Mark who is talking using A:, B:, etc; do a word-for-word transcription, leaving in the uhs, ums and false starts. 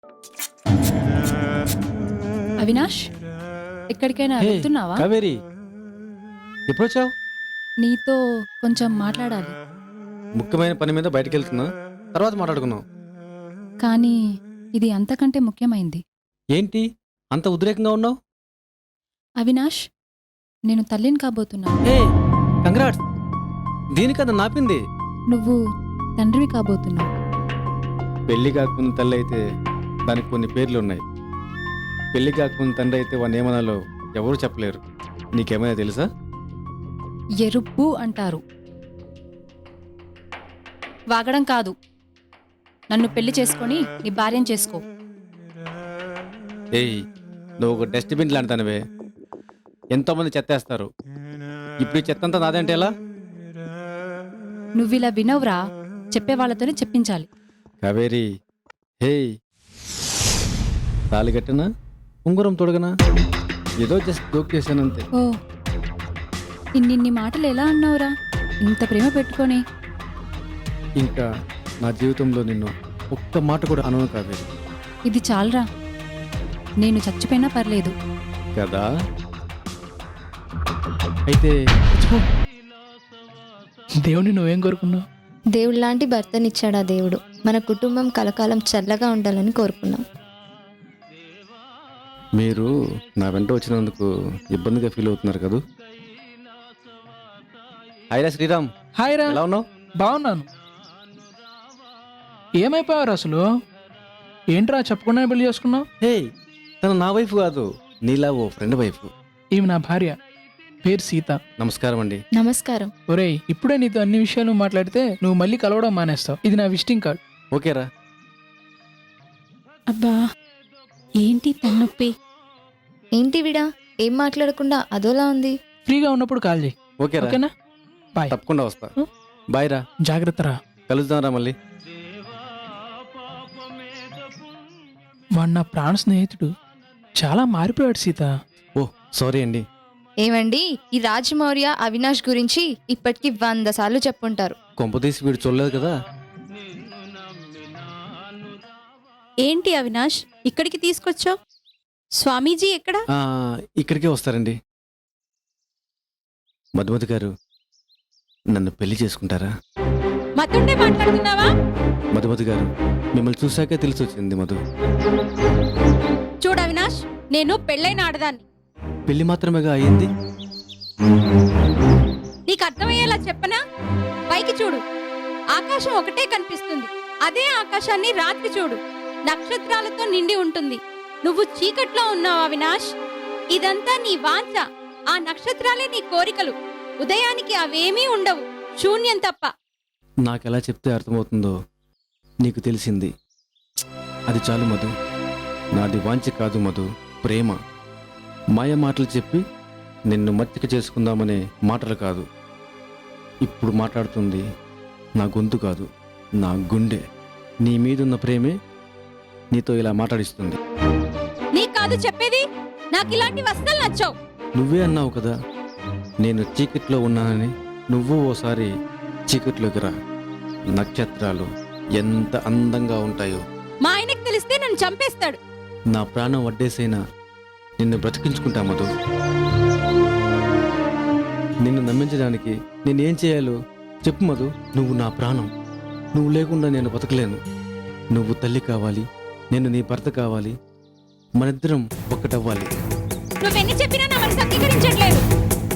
A: అవినాష్, ఎక్కడికైనా
B: హే,
A: వెళ్తున్నావా?
B: కావేరి ఎప్పుడొచ్చావు?
A: నీతో కొంచెం మాట్లాడాలి.
B: ముఖ్యమైన పని మీద బయటకు వెళ్తున్నా, తర్వాత మాట్లాడుకుందాం.
A: కానీ ఇది అంతకంటే ముఖ్యమైంది.
B: ఏంటి అంత ఉద్రేకంగా ఉన్నావు?
A: అవినాష్, నేను తల్లిని కాబోతున్నాను.
B: Hey congrats. దీనికన్నా నాపింది.
A: నువ్వు తండ్రివి కాబోతున్నావు.
B: పెళ్లి కాకముందు తల్లి అయితే దానికి కొన్ని పేర్లు ఉన్నాయి. పెళ్లి కాకముందు తండ్రి అయితే వాడిని ఏమనాలో ఎవరు చెప్పలేరు. నీకేమైనా తెలుసా?
A: ఎరుపు అంటారు. వాగడం కాదు. నన్ను పెళ్లి చేసుకొని నీ భార్యను చేసుకో.
B: ఏయ్, నువ్వు ఒక డస్ట్బిన్ లాంటిదానివే. ఎంతోమంది చెత్తేస్తారు. ఇప్పుడు ఈ చెత్త అంతా నాదంటే ఎలా?
A: నువ్విలా వినవురా. చెప్పే వాళ్ళతోనే చెప్పించాలి.
B: కావేరి, హే, తాళి కట్టినా ఉంగరం తొడగనా ఏదో జస్ట్ జోక్ చేశానంతే.
A: ఓ, ఇన్నిన్ని మాటలు ఎలా అన్నావురా? ఇంత ప్రేమ పెట్టుకొని.
B: ఇంకా నా జీవితంలో నిన్ను ఒక్క మాట కూడా అనను కావేరి.
A: ఇది చాలరా. నేను చచ్చిపోయినా పర్లేదు.
B: కదా? అయితే
C: దేవుని నువ్వేం కోరుకున్నావు?
D: దేవుడు లాంటి భర్తనిచ్చాడా దేవుడు. మన కుటుంబం కలకాలం చల్లగా ఉండాలని కోరుకున్నాం.
B: మీరు నా వెంట వచ్చినందుకు ఇబ్బందిగా ఫీల్ అవుతున్నారు కదా? హాయ్రా శ్రీరామ్,
C: హాయ్ రా.
B: ఎలా ఉన్నావు?
C: బాగున్నాను. ఏమైపోయారు అసలు? ఏంట్రా చెప్పకుండా పెళ్లి చేసుకున్నావు?
B: హే, తను నా వైఫ్ కాదు, నీలా ఓ ఫ్రెండ్ వైఫ్.
C: ఈమె నా భార్య, పేరు సీత.
B: నమస్కారం అండి.
D: నమస్కారం.
C: ఒరేయ్, ఇప్పుడే నీతో అన్ని విషయాలు మాట్లాడితే నువ్వు మళ్ళీ కలవడం మానేస్తావు. ఇది నా విజిటింగ్ కార్డ్.
B: ఓకేరా?
A: అబ్బా, ఏంటి తన్నొప్పి?
D: ఏంటి విడా ఏం మాట్లాడకుండా అదోలా ఉంది?
C: ఫ్రీగా ఉన్నప్పుడు కాల్ చేయి.
B: ఓకేరా?
C: ఓకేనా? బాయ్.
B: తప్పకుండా వస్తా. బాయ్ రా.
C: జాగ్రత్త రా.
B: కలుద్దాం రా మళ్ళీ.
C: వాడు నా ప్రాణ స్నేహితుడు. చాలా మారిపోయాడు సీత.
B: ఓ సారీ అండి.
D: ఏమండి, ఈ రాజమౌర్య అవినాష్ గురించి ఇప్పటికి వంద సార్లు చెప్పుంటారు.
B: కొంపదీసి వీడు చూడలేదు కదా?
E: ఏంటి అవినాష్, ఇక్కడికి తీసుకొచ్చావు? స్వామీజీ ఎక్కడ?
B: ఆ, ఇక్కడికే వస్తారండి. మధుమతి గారు, నన్ను పెళ్లి చేసుకుంటారా?
E: మతుండే మాట్లాడుతున్నావా?
B: మధుమతి గారు, మిమ్మల్ని చూశాకే తెలిసి వచ్చింది మధు.
E: చూడు అవినాష్, నేను పెళ్ళైన ఆడదాన్ని.
B: పెళ్లి మాత్రమేగా అయ్యింది.
E: నీకు అర్థమయ్యేలా చెప్పనా? పైకి చూడు, ఆకాశం ఒకటే కనిపిస్తుంది. అదే ఆకాశాన్ని రాత్రి చూడు, నక్షత్రాలతో నిండి ఉంటుంది. నువ్వు చీకట్లో ఉన్నావు అవినాష్. ఇదంతా నీ వాంఛ. ఆ నక్షత్రాలే నీ కోరికలు. ఉదయానికి అవేమీ ఉండవు, శూన్యం తప్ప.
B: నాకెలా చెప్తే అర్థమవుతుందో నీకు తెలిసింది. అది చాలు మధు. నాది వాంఛ కాదు మధు, ప్రేమ. మాయ మాటలు చెప్పి నిన్ను మత్తిక చేసుకుందామనే మాటలు కాదు. ఇప్పుడు మాట్లాడుతుంది నా గొంతు కాదు, నా గుండె. నీ మీదున్న ప్రేమే నీతో ఇలా మాట్లాడిస్తుంది.
E: నీకు కాదు చెప్పేది. నాకు ఇలాంటి వస్తువులు నచ్చావు.
B: నువ్వే అన్నావు కదా, నేను చీకట్లో ఉన్నానని. నువ్వు ఓసారి చీకట్లోకి రా. నక్షత్రాలు ఎంత అందంగా ఉంటాయో.
E: మా ఆయనకు తెలిస్తే నన్ను చంపేస్తాడు.
B: నా ప్రాణం వడ్డేసైనా నిన్ను బ్రతికించుకుంటా మధు. నిన్ను నమ్మించడానికి నేనేం చేయాలో చెప్పు మధు. నువ్వు నా ప్రాణం. నువ్వు లేకుండా నేను బతకలేను. నువ్వు తల్లి కావాలి, నేను నీ భర్త కావాలి. మనిద్దరం ఒక్కటవ్వాలి.
E: నువ్వెన్ని చెప్పినా నా మనసు అంగీకరించట్లేదు.